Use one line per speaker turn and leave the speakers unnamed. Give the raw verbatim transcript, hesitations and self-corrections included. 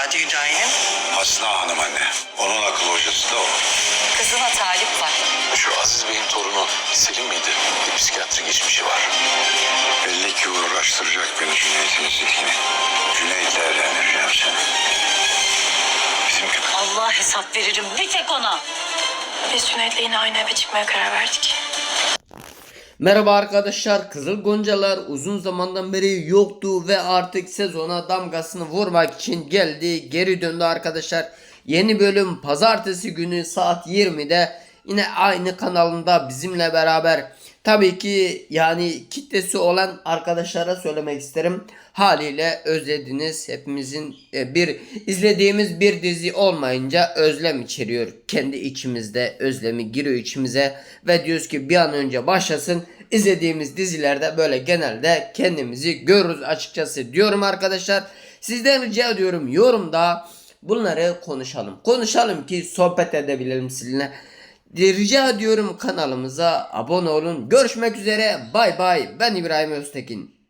Hadi Hüdayi'nin?
Hasna Hanım anne. Onun akıl hocası da o.
Kızına talip var.
Şu Aziz Bey'in torunu Selim miydi? Bir psikiyatri geçmişi var.
Belli ki uğraştıracak beni Cüneyt'in zihni. Cüneyt'le evlendireceğim seni. Bizim gibi.
Allah hesap veririm bir tek ona.
Biz Cüneyt'le yine aynı eve çıkmaya karar verdik.
Merhaba arkadaşlar, Kızıl Goncalar uzun zamandan beri yoktu ve artık sezona damgasını vurmak için geldi, geri döndü arkadaşlar. Yeni bölüm pazartesi günü saat yirmide yine aynı kanalında bizimle beraber. Tabii ki yani kitlesi olan arkadaşlara söylemek isterim. Haliyle özlediniz. Hepimizin e, bir izlediğimiz bir dizi olmayınca özlem içeriyor. Kendi içimizde özlemi giriyor içimize ve diyoruz ki bir an önce başlasın. İzlediğimiz dizilerde böyle genelde kendimizi görürüz açıkçası diyorum arkadaşlar. Sizden rica ediyorum yorumda bunları konuşalım. Konuşalım ki sohbet edebilelim sizinle. Rica ediyorum kanalımıza abone olun. Görüşmek üzere. Bay bay. Ben İbrahim Öztekin.